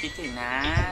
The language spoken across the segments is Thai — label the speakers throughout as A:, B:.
A: คิดถึงนะ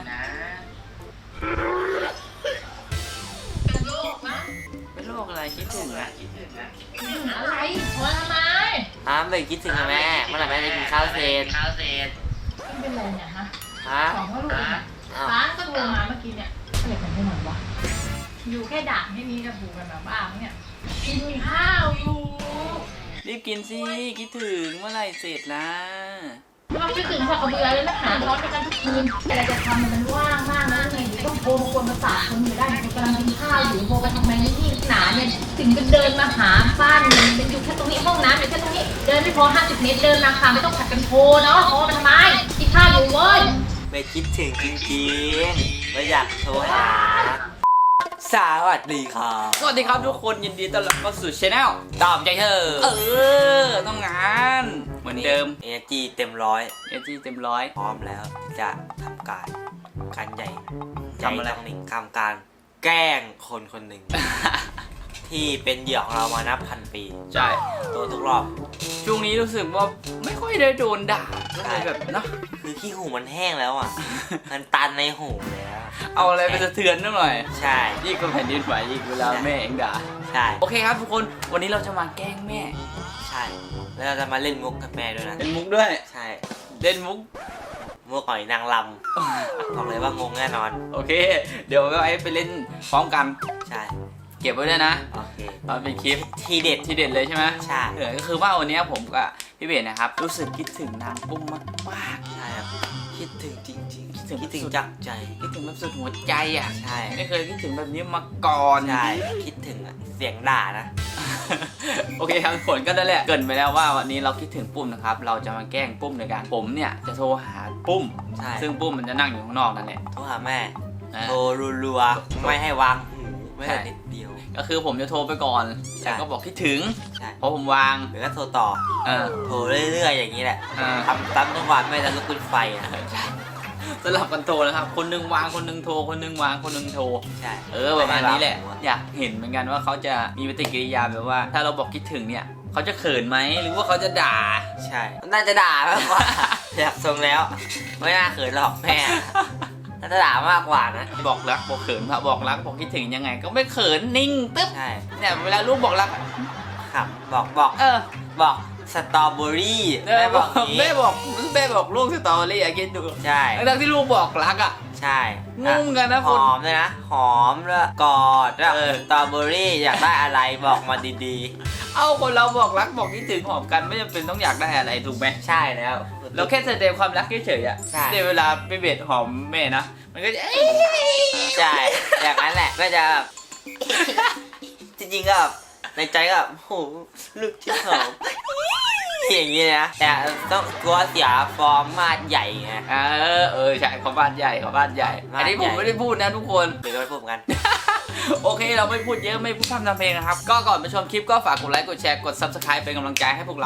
B: เป็นโรคนะ
A: เป็นโรคอะไรคิดถึงอะ
B: อะไรโทรทำไม
A: ไปคิดถึงนะแม่เมื่อไหร่แม่จะกินข้าวเสร็จ
B: ไม่เป็นไรเนี่ยฮะ
A: ฮะ
B: ของพ่อลูกเนี่ยร้านก็โทรมาเมื่อกี้เนี่ยอะไรกันที่ไหนวะอยู่แค่ด่านให้นี้จะผูกกันแบบบ้าเนี่ยกินข้าวอยู่
A: รีบกินสิคิดถึงเมื่อไหร่เสร็จล่ะ
B: เราคิดถึงสักกระเบือเลยนะหาร้อนกันทุกคืนอะไรจะทำมันว่างมากนะไงต้องโทรมากวนประสาทคนอยู่ได้กำลังกินข้าวอยู่โทรไปทำไมนี่หนาเนี่ยถึงจะเดินมาหาบ้านมันอยู่แค่ตรงนี้ห้องน้ำอยู่แค่ตรงนี้เดินไม่พอ50 เมตรเดินมาค่ะไม่ต้องผัดกันโทรเนาะโทรมาทำไมกินข้าวอยู่เว้ย
A: ไม่คิดถึงจริงๆไม่อยากโทรหาสวัสดีครับสวัสดีครับทุกคนยินดีต้อนรับเข้าสู่ช anel ตอบใจเธอต้องงานเหมือนเดิม energy เต็มร้อย energy เต็มร้อยพร้อมแล้วจะทำการใหญ่ทำอะไรทำการแกล้งคนคนหนึ่ง ที่เป็นเหยื่อของเรามานับพันปีใช่โดนทุกรอบช่วงนี้รู้สึกว่าไม่ค่อยได้โดนด่าอะไรแบบเนาะคือขี้หูมันแห้งแล้วอ่ะ มันตันในหูแล้วเอาอะไรไปสะเทือนหน่อยใช่ยิ่งก็แผ่นดินไหวยิ่งเวลาแม่เองด่าใช่โอเคครับทุกคนวันนี้เราจะมาแกล้งแม่ใช่แล้วเราจะมาเล่นมุกกับแม่ด้วยนะเล่นมุกด้วยใช่เล่นมุกหอยนางรำบอกเลยว่างงแน่นอนโอเคเดี๋ยวไปเล่นพร้อมกันใช่เก็บไว้ด้วยนะโอเคตอนเป็นคลิปทีเด็ดเลยใช่ไหมใช่ก็คือว่าวันนี้ผมกับพี่เบสนะครับรู้สึกคิดถึงนางปุ้มมากใช่ครับคิดถึงจริงๆคิดถึงจากใจคิดถึงแบบสุดหัวใจอ่ะใช่ไม่เคยคิดถึงแบบนี้มาก่อนใช่คิดถึงเสียงด่านะโอเคครับผลก็ได้แหละเกินไปแล้วว่าวันนี้เราคิดถึงปุ้มนะครับเราจะมาแกล้งปุ้มในการผมเนี่ยจะโทรหาปุ้มซึ่งปุ้มมันจะนั่งอยู่ข้างนอกนั่นแหละโทรหาแม่โทรรัวๆไม่ให้วางไม่ได้นิดเดียวก็คือผมจะโทรไปก่อนแต่ก็บอกคิดถึงเพราะผมวางหรือก็โทรต่อโทรเรื่อยๆอย่างนี้แหละทำตั้งทุกวันไม่จะลุกขึ้นไฟสลับกันโทรนะครับคนนึงวางคนนึงโทรคนนึงวางคนนึงโทรใช่ประมาณนี้แหละอยากเห็นเหมือนกันว่าเขาจะมีปฏิกิริยาแบบว่าถ้าเราบอกคิดถึงเนี่ยเขาจะเขินไหมหรือว่าเขาจะด่าใช่น่าจะด่ามากกว่าอยากทรงแล้วไม่น่าเขินหรอกแม่น่าจะด่ามากกว่านะบอกรักบอกเขินบอกรักบอกคิดถึงยังไงก็ไม่เขินนิ่งตึ๊บใช่เนี่ยเวลาลูกบอกรักครับบอกบอกสตรอเบอรี่แม่บอกลูกสตรอเบอรี่คิดดูใช่แล้วที่ลูกบอกรักอ่ะใช่งงกันนะหอมเลยนะหอมแล้วกอดแล้วสตรอเบอรี่อยากได้อะไรบอกมาดีๆเอาคนเราบอกรักบอกคิดถึงหอมกันไม่จำเป็นต้องอยากได้อะไรถูกไหมใช่แล้วเราแค่แสดงความรักเฉยๆอ่ะในเวลาไปเบ็ดหอมแม่นะมันก็จะใช่อย่างนั้นแหละก็จะจริงๆก็ในใจก็โหลูกที่หอมอย่างนี้นะแต่ต้องกลัวเสียฟอร์มมาดใหญ่ไงใช่เขาบ้านใหญ่อันนี้ผมไม่ได้พูดนะทุกคนเดี๋ยวเราพูดกันโอเคเราไม่พูดเยอะไม่พูดพร่ำทำเพลงนะครับก็ก่อนไปชมคลิปก็ฝากกดไลค์กดแชร์กด Subscribe เป็นกำลังใจให้พวกเรา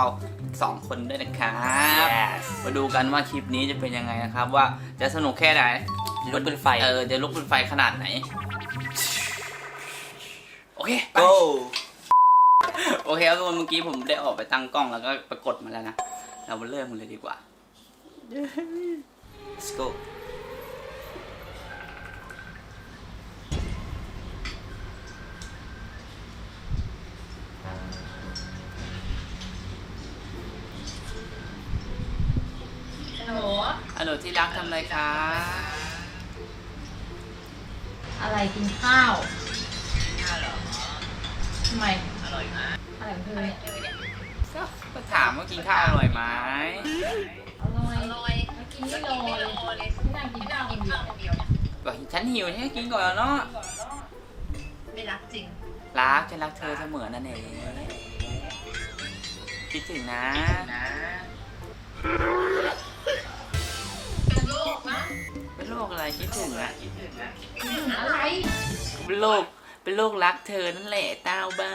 A: 2 คนด้วยนะครับมาดูกันว่าคลิปนี้จะเป็นยังไงนะครับว่าจะสนุกแค่ไหนลุกเป็นไฟจะลุกเป็นไฟขนาดไหนโอเค goโอเคครับทุกคนเมื่อกี้ผมได้ออกไปตั้งกล้องแล้วก็ปรากฏมาแล้วนะเรามาเริ่มกันเลยดีกว่า let's go ฮัลโหลที่รักทำอะไรคะ
B: อะไรกินข้าวเหรอทำไมอร่อยมากอะไรของเธอเนี่ย
A: ก็ถามว่ากินข้าวอร่อยไหม
B: อร่อยกินไม่รอเลยที่นั่งกินข้าวคนเดียว
A: บอกฉันหิวให้กินก่อนแล้วเนาะ
B: ไม่รักจริง
A: รักฉันรักเธอเสมอนั่นเองคิดถึงนะ
B: เป็นโรคนะ
A: เป็นโรคอะไรคิดถึงอะ
B: อะไร
A: เป็นโรครักเธอนั่นแหละเต้าบ้า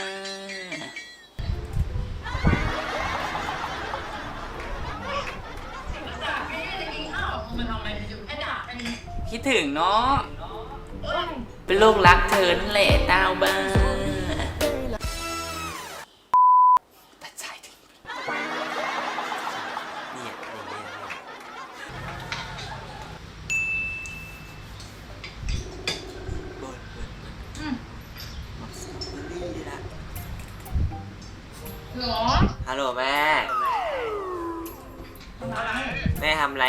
A: คิดถึงเนาะเป็นโรครักเธอนั่นแหละเต้าบ้าตัดใจถึงเนี่ย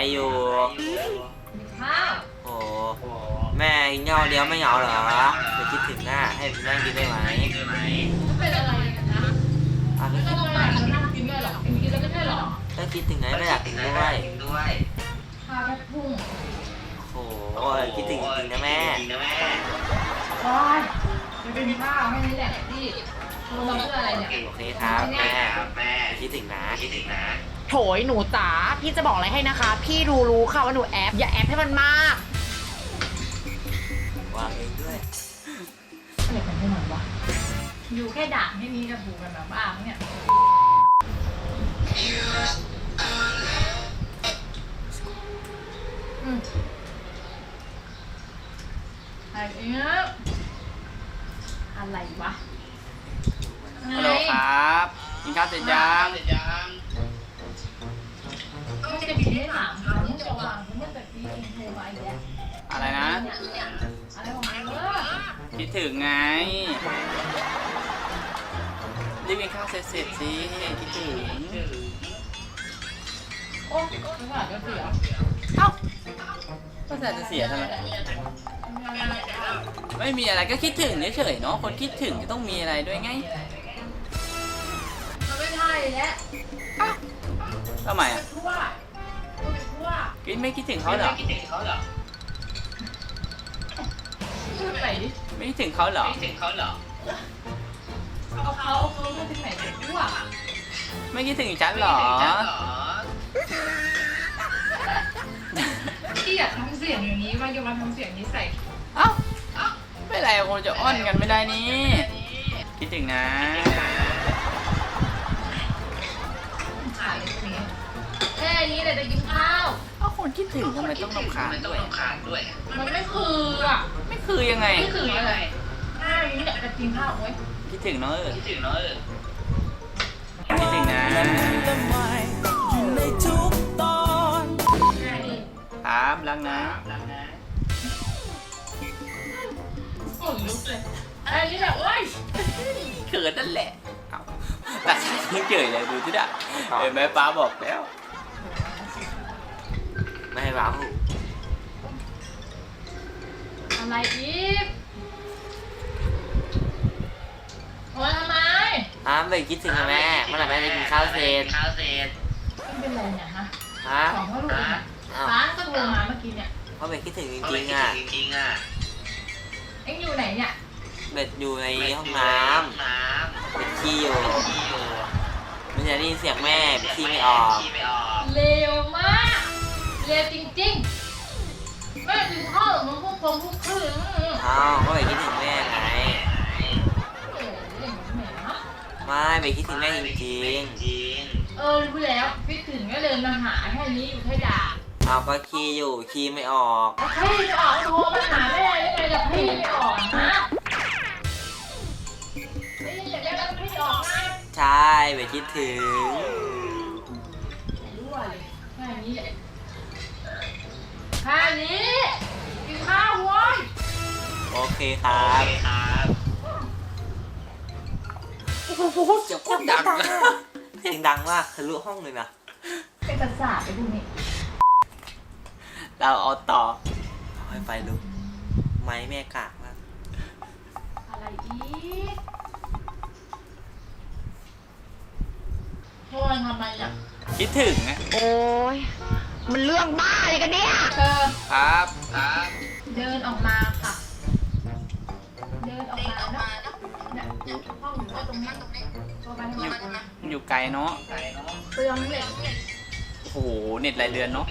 C: อยู่
B: มีข้าว
C: โอ้แม่กินข้าวเดียวไม่เหงาเหรอเดี๋ยวคิดถึงหน้าให้แม่กินได้ไหม
B: ก็เป็นอะไรกันนะ
C: อ่ะ
B: ไม่ต้องมาเรานั่งกินด้วยหรอกินแล้วไม่ใช่หรอ
C: ถ้าคิดถึงไงก็อยากกินด้วย
B: ข้าวแค่พุ่ง
C: โอ้ยคิดถึงจริงๆนะแม่
B: ว้ายจะเป็นข้าวแค่นี้แหละที่โทรมาเพื่ออะไรเนี่ย
C: โอเคครับแม่คิดถึงนะ
D: โถยหนูจ๋าพี่จะบอกอะไรให้นะคะ พี่รู้ค่ะว่าหนูแอปอย่าแอปให้มันมาก
C: วางเองด้วย
B: อะไรกันให้หน่อยวะอยู่แค่ด่าให้นี้จะผูกกันแบบบ้าเนี่ยอะไรเนี่ยอะไรวะ
A: ฮัลโหลครับกินข้าวเสร็จยัง
B: ไม่จะบินให้ถามเขาเนี่ยจะวางเขาเนี่ยแบบนี้โทรมาอีกแล้ว
A: อะไรนะ
B: อะไรของมัน
A: คิดถึงไงรีบกินข้าวเสร็จสิคิดถึง
B: โอ้ไม่ผ่านก็เสีย
A: เอ้าก็จะเสียทำไมไม่มีอะไรก็คิดถึงเฉยๆเนาะคนคิดถึงจะต้องมีอะไรด้วยไง
B: มันไม่ใช่แล้ว
A: ทำไมอ่ะ
B: ทั่ว
A: กินไม่คิดถึงเขาเหรอ
B: พูดไปดิ
A: ไม่คิดถึงเขาเหรอ
B: เอาเขามาถึงไหนเนี่ยทั่ว
A: ไม่คิดถึงฉันเหรอ
B: ที่อยากทำเสียงอย่างนี้ว่าจะมาทำเสียงนี้ใส่
A: เอ้าไม่เป็นไรคงจะอ้อนกันไม่ได้นี่คิดถึงนะ
B: ขายตรงนี้แค่นี้เลยจะกินข้าว
A: เอ้าคนคิดถึงทำไมต้องรำคาญด้วย
B: มันไม่คืออ่ะ
A: ไม่คือยังไง
B: ไม่คืออะไรแค่นี้แหละจะกินข้าวเว้ย
A: คิดถึงเนอะคิดถึงนะ
B: แค่นี้
A: ครับรักนะ
B: ขนลุกเลยแค่นี้แหละเว้ย
A: เขินนั่นแหละเอาแต่ฉันยังเฉยเลยดูที่ด่ะเห็นไหมป้าบอกแล้ว
C: ไม่ให้ร้อง
B: อะไรอีกโอ้ยทำไม
C: ไปคิดถึงนะแม่เมื่อไหร่แม่จะกินข้าวเสร็จ
B: มันเป็นไรเนี่ยฮะ
C: ฮะ
B: ของพ่อลูกเนี่ยร้านก็โทรมาเมื่อกี้เนี่ย
C: เพราะเบ็ดคิดถึงจริงๆอ่ะ
B: เอ็งอยู่ไหนเนี่ย
C: เบ็ดอยู่ในห้องน้ำเบ็ดขี้อยู่มันจะได้ยินเสียงแม่เบ็ดขี้ไม่ออก
B: เร็วมากเร็วจริงๆแม่กินข้าวหรือมันพวกคืน
C: อ้าวก็เบ็ดคิดถึงแม่ไง
B: เล่นเหมือนแหมนะ
C: ไม่เบ็ดคิดถึงแม่จริง
B: รู้แล้วพี่ถึงก็เดินมาหาแค่นี้อยู่แค่ด่า
C: ๆเอาก็ขี้อยู่ขี้ไม่ออก
B: พี่ไม่ออกโทรมาหาแม่ได้ไงล่ะพี่ไม่ออกฮะนี่อย่างนี้แล้วพี่ออกนะ
C: ใช่เบ็ดคิดถึง
B: รั่วเลยแค่นี้แหละแค่นี้กินข้าวเว้ย
C: โอเคครับโอ้โหเสียงโคตรดังเสียงดังมากทะลุห้องเลยนะ
B: เป็นประสาทไปดูนี่
A: เราเอาต่อ
C: เอาให้ไฟลุกไม้แม่กากมาก
B: อะไรอีกโทรทำไมอ่ะ
A: คิดถึงนะ
D: โอ้ยมันเรื่องบ้าอะไรกันเนี่ย
B: เธอ
A: ครับ
B: เดินออกมาค่ะ เดินออกมานะเนี่ยห้องอยู่ว่าตรงนี้โทรไปทำไม
A: มันอยู่ไกลเนาะ
B: เปลืองเลย
A: โอ้โหเน็ตรายเดือนเนาะ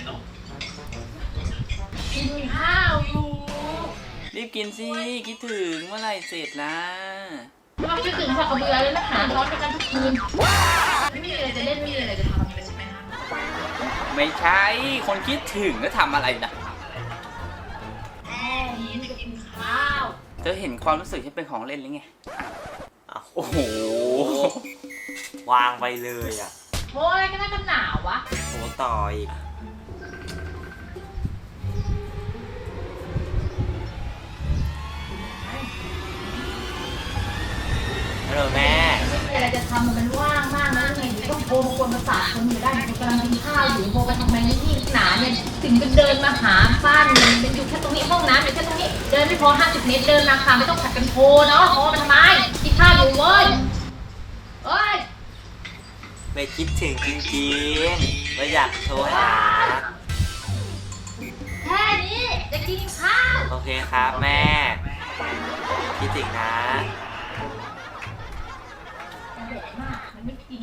B: กินข้าวอยู่
A: รีบกินสิคิดถึงเมื่อไหร่เสร็จล่ะ
B: เราคิดถึงสักกระเบือเลยนะหาซ้อนกันทุกคืนไม่มีอะไรจะเล่นไม่มีอะไรจะทำเลยใช่ไหมคะ
A: ไม่ใช่คนคิดถึงแล้วทำอะไรนะ
B: แม่ยิ้มจะกินข้าว
A: เธอเห็นความรู้สึกที่เป็นของเล่นหรือไง
C: อ้าว
A: โอ้โห
C: วางไปเลยอ่ะ
B: โอ้ยก็น่าจะหนาววะ
C: โหต่ออีกฮัลโหลแม่
B: ไม่มีอะไรจะทำมันว่างมากนะไงต้องโทรมากวนประสาทคนอยู่ได้คนกำลังกินข้าวอยู่โทรไปทำไมนี่หนาเนี่ยถึงกันเดินมาหาบ้านมันเป็นอยู่แค่ตรงนี้ห้องน้ำอยู่แค่ตรงนี้เดินไม่พอ50 เมตรเดินมาค่ะไม่ต้องผัดกันโทรเนาะโทรมาทำไมกินข้าวอยู่เว้ยเอ้ย
C: ไม่คิดถึงจริงๆไม่อยากโทรหา
B: แค่นี้จะกินข้าว
C: โอเคครับแม่ คิดถึงนะ
B: มันแดดมากมันไม่กิน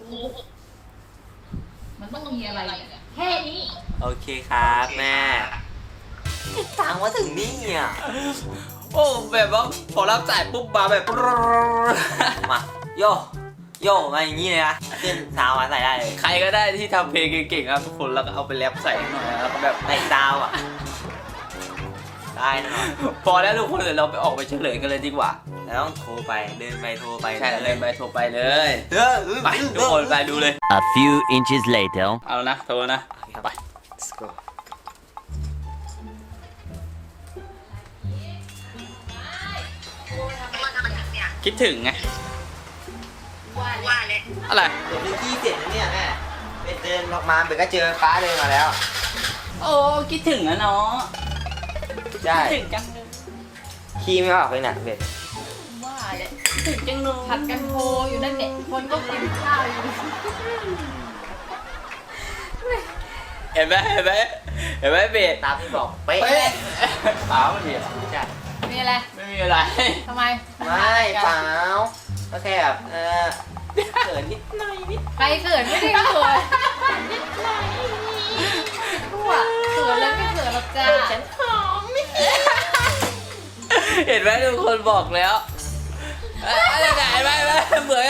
B: มันต้องมีอะไรเนี่ยแค่นี้
C: โอเคครับแม่ติดตังว่าถึงนี่อ่ะ
A: โอ้แบบว่าพอรับสายปุ๊บมาแบบ
C: มาโยโยมาอย่างนี้เลยนะขึ้นซาวมาใส่ได้เลย
A: ใครก็ได้ที่ทำเพลงเก่งๆครับทุกคนแล้วก็เอาไปแรปใส่หน่อยแล้วก็แบบ
C: ใส่ซาวอ่ะได้นะ
A: พอแล้วทุกคนเดี๋ยวเราไปออกไปเฉลยกันเลยดีกว่า
C: แล้วต้องโทรไปเดินไปโทรไป
A: ใช่เลยไปโทรไปเลย ไปทุก
C: ค
A: คนไปดูเลย
E: A few inches later.
A: เอานะโทรนะไป
C: let's go
A: คิดถึงไง
B: ว่าเลย
A: อะไร
C: เดี๋ยวดูขี้เสร็จแล้วเนี่ยแม่ไปเดินออกมาเบก็เจอฟ้าเดินมาแล้ว
A: โอ้คิดถึงนะเนาะ
C: ใช่
A: คิดถึงจังเลย
C: ขี้ไม่ออกเลยน่ะเบ็ด
B: ว่าเลย
A: คิดถึงจังเลย
B: ผัดกันโทรอยู่นั่นเนี่ยคนก็กินข้าวอยู่
A: เห็นไหมเห็นไหมเห็นไหมเบส
C: ตามที่บอกเป๊ะ
A: เป๊ะเปล่าไม่มีอะไร
C: ใช่
B: มีอะไร
A: ไม่มีอะไร
B: ทำไม
C: ไม่เปล่าก็แค่แบบเขินนิดหน่อยนิด
B: ใครเขินไม่ได้เขินทั่วเขินแล้วไม่เขินหรอกจ้าฉัน
A: เห็นไหมทุกคนบอกแล้วอะไรไหนไหมเหมือน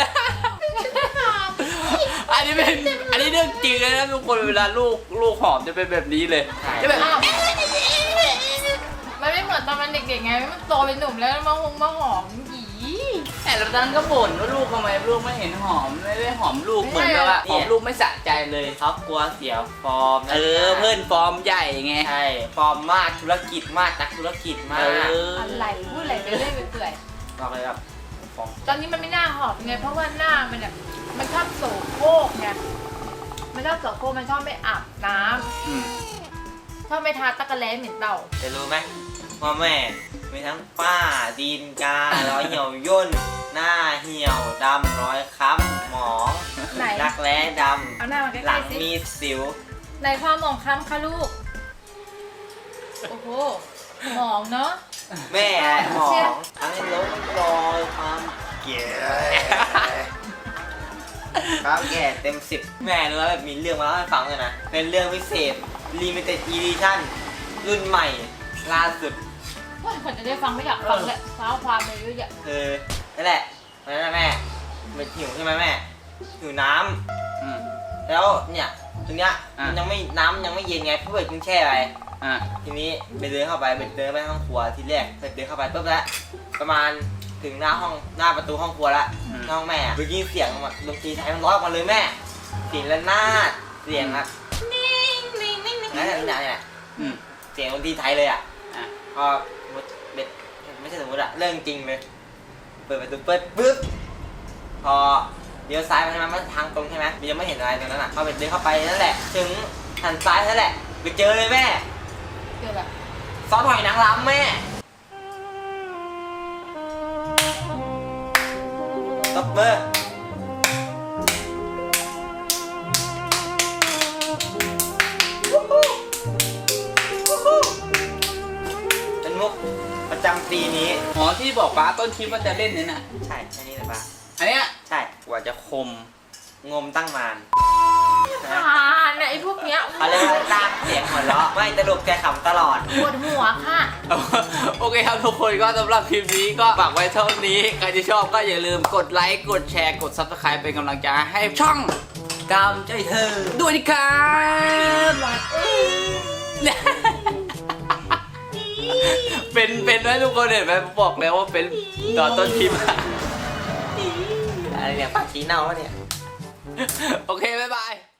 A: อันนี้เป็นอันนี้เรื่องจริงเลยนะทุกคนเวลาลูกหอมจะเป็นแบบนี้เลยจะแบบ
B: อ้าวมันไม่เหมือนตอนมันเด็กๆไงมันโตเป็นหนุ่มแล้วมาหอมหยี
A: แต่ละตอนก็บ่นว่าลูกทำไมลูกไม่เห็นหอมไม่ได้หอมลูกเหมือนกับว่าหอมลูกไม่สะใจเลย
C: เขากลัวเสียฟอร์มนะ
A: เพื่อนฟอร์มใหญ่ไง
C: ใช่ฟอร์มมากธุรกิจมากนักธุรกิจมาก
B: อะไรพูดอะไรไปเรื่อยไปเปื่อย
C: บอกเลยแบบฟอร์ม
B: ตอนนี้มันไม่น่าหอมไงเพราะว่าหน้ามันแบบมันชอบโสโครกไงมันชอบโสโครกมันชอบไม่อาบน้ำชอบไม่ทาตะกะแล้เหม็นเต่า
C: จะรู้ไหมว่าแม่มีทั้งป้าดินการ้อยเหี่ยวย่นหน้าเหี่ยวดำรอยค้ำหมอง
B: ไหน
C: รักแร้ด
B: เอาหน้ามาใก
C: ำหลั
B: ล้
C: ง
B: ๆสิ
C: มีสิว
B: ไหนความหมองคล้ำคะลูกโอ้โหหมองเนาะ
C: แม่หมองทั้งล้มรอยความแก่ความแก่เต็ม10แม่รู้ว่าแบบมีเรื่องมาเล่าให้ฟังเลยนะ เป็นเรื่องพิเศษ Limited Edition รุ่นใหม่ล่าสุด
B: ว่าคนจะได้ฟังไม่อยากฟังเลยเท้าความเลยเยอะแยะ
C: คือนั่นแหละวันนั้นนะแม่มันหิวใช่ไหมแม่หิวน้ำแล้วเนี่ยตรงเนี้ยมันยังไม่น้ำยังไม่เย็นไงเพื่อนกินแช่ไปทีนี้ไปเดินเข้าไปไปเดินไปห้องครัวทีแรกไปเดินเข้าไปปุ๊บแล้วประมาณถึงหน้าประตูห้องครัวละห้องแม่ไปยินเสียงดนตรีไทยมันร้องออกมาเลยแม่เสียงระนาดเสียงแบบนั่นแหละเสียงดนตรีไทยเลยอ่ะก็เบ็ดไม่ใช่สมมติอะเรื่องจริงเลยเปิดประตูเปิดปุ๊บพอเลี้ยวซ้ายไปใช่ไหมมันทางตรงใช่ไหมมันยังไม่เห็นอะไรตรงนั้นอ่ะพอเบ็ดเดินเข้าไปนั่นแหละถึงหันซ้ายนั่นแหละไปเจอเลยแม่
B: เจอแบบ
C: ซอสหอยนางรำแม่ตบเบอร์เป็นมุกประจำปีนี้
A: อ๋อที่บอกป้าต้นคลิปว่าจะเล่นเนี่ยนะ
C: ใช่อันนี้เลยปะ
A: อันเนี้ย
C: ใช่
A: กว่าจะคม
C: งมตั้งนาน
B: เนี่ยไอ้พวกเนี้ย
C: เขาเรียกว่าลากเสียงหัวเราะไม่ตลกใจขำตลอด
B: ปวดหัวค่ะ
A: โอเคครับทุกคนก็สำหรับคลิปนี้ก็ฝากไว้เท่านี้ใครที่ชอบก็อย่าลืมกดไลค์กดแชร์กด Subscribe เป็นกำลังใจให้ช่อง
C: กำใจเธอ
A: ด้วยนะครับเป็นไหมทุกคนเห็นไหมบอกแล้วว่าเป็นตอนต้นคลิป
C: อะไรเนี่ยปากชี้เน่าวะเนี่ย
A: โอเคบ๊ายบาย